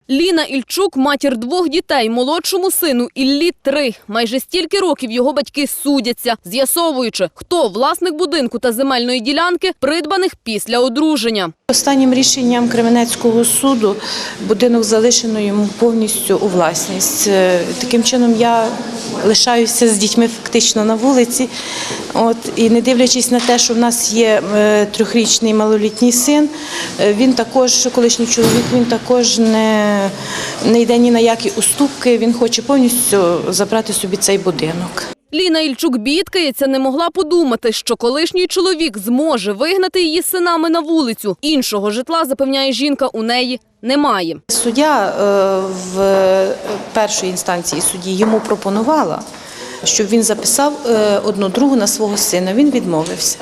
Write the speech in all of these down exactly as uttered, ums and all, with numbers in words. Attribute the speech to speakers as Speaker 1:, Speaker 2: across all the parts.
Speaker 1: Ліна Ільчук – матір двох дітей, молодшому сину Іллі – три. Майже стільки років його батьки судяться, з'ясовуючи, хто власник будинку та земельної ділянки, придбаних після одруження.
Speaker 2: Останнім рішенням Кременецького суду будинок залишено йому повністю у власність. Таким чином я лишаюся з дітьми фактично на вулиці. От, і не дивлячись на те, що в нас є трьохрічний малолітній син, він також, колишній чоловік, він також не, не йде ні на які уступки, він хоче повністю забрати собі цей будинок.
Speaker 1: Ліна Ільчук бідкається, не могла подумати, що колишній чоловік зможе вигнати її з синами на вулицю. Іншого житла, запевняє жінка, у неї немає.
Speaker 2: Суддя в першій інстанції судді йому пропонувала, щоб він записав одну другу на свого сина. Він відмовився.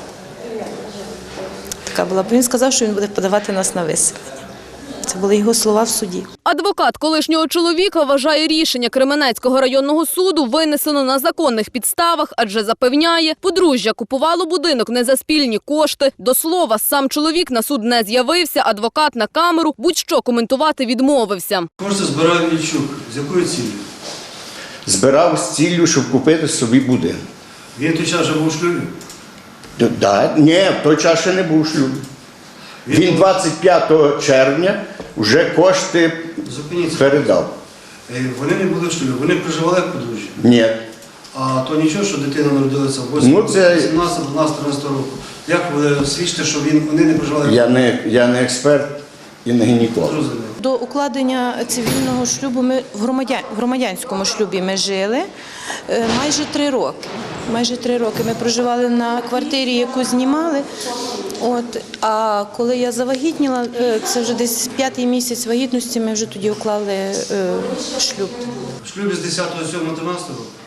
Speaker 2: Така була. Він сказав, що він буде подавати нас на виселення. Це були його слова в суді.
Speaker 1: Адвокат колишнього чоловіка вважає, рішення Кременецького районного суду винесено на законних підставах, адже запевняє, подружжя купувало будинок не за спільні кошти. До слова, сам чоловік на суд не з'явився, адвокат на камеру будь-що коментувати відмовився.
Speaker 3: Кошти збирав Ільчук. З якою цілею?
Speaker 4: Збирав з ціллю, щоб купити собі будинок.
Speaker 3: Він той час вже був у шлюбі?
Speaker 4: Да, ні, в той час ще не був шлюб. Він двадцять п'ятого червня вже кошти
Speaker 3: Зупиніться.
Speaker 4: передав.
Speaker 3: Вони не були в шлюбі, вони проживали як подружжя.
Speaker 4: Ні.
Speaker 3: А то нічого, що дитина народилася в восьмому,
Speaker 4: Ну, це-
Speaker 3: сімнадцятого, дванадцятого, тринадцятого року. Як ви свідчите, що він, вони не проживали?
Speaker 4: Я не, я не експерт і не гінеколог.
Speaker 3: Зрозумів.
Speaker 2: До укладення цивільного шлюбу ми в, громадян, в громадянському шлюбі ми жили е, майже три роки. Майже три роки ми проживали на квартирі, яку знімали. От, а коли я завагітніла, е, це вже десь п'ятий місяць вагітності, ми вже тоді уклали е, шлюб.
Speaker 3: В шлюбі з десятого сьомого тринадцятого року?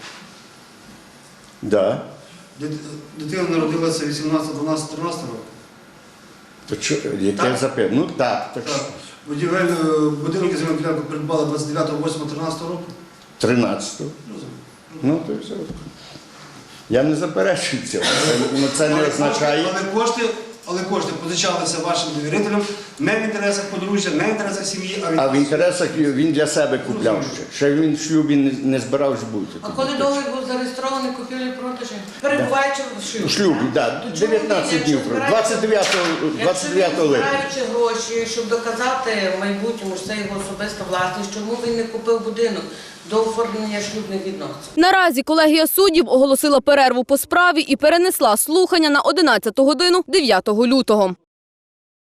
Speaker 4: Да.
Speaker 3: Дит- Дитина народилася вісімнадцятого, дванадцятого, тринадцятого року?
Speaker 4: То що, яке
Speaker 3: Так.
Speaker 4: запитання? Ну так, так.
Speaker 3: Так. Будівель, е, будинок і земельну ділянку придбали двадцять дев'ятого восьмого тринадцятого року?
Speaker 4: тринадцятого. Ну, то й все. Я не заперечую цього. Це, ну, це не
Speaker 3: Але
Speaker 4: означає.
Speaker 3: кошти- Але кошти, але кошти позичалися вашим довірителям не в інтересах подружжя, не в інтересах сім'ї, а в
Speaker 4: А в
Speaker 3: інтересах...
Speaker 4: інтересах він для себе купляв ще. Ще він в шлюбі не, не збирався бути.
Speaker 5: А коли договір був зареєстрований купівлі-продажі? Перебуваючи в шлюбі?
Speaker 4: У шлюбі, так.
Speaker 5: Чому
Speaker 4: дев'ятнадцять
Speaker 5: він,
Speaker 4: днів.
Speaker 5: якщо збираючи-
Speaker 4: двадцять дев'ятого
Speaker 5: Якщо він,
Speaker 4: липня.
Speaker 5: збираючи гроші, щоб доказати в майбутньому, що це його особиста власність, чому він не купив будинок до оформлення шлюбних відносин?
Speaker 1: Наразі колегія суддів оголосила перерву по справі і перенесла слухання на одинадцяту годину дев'ятого лютого.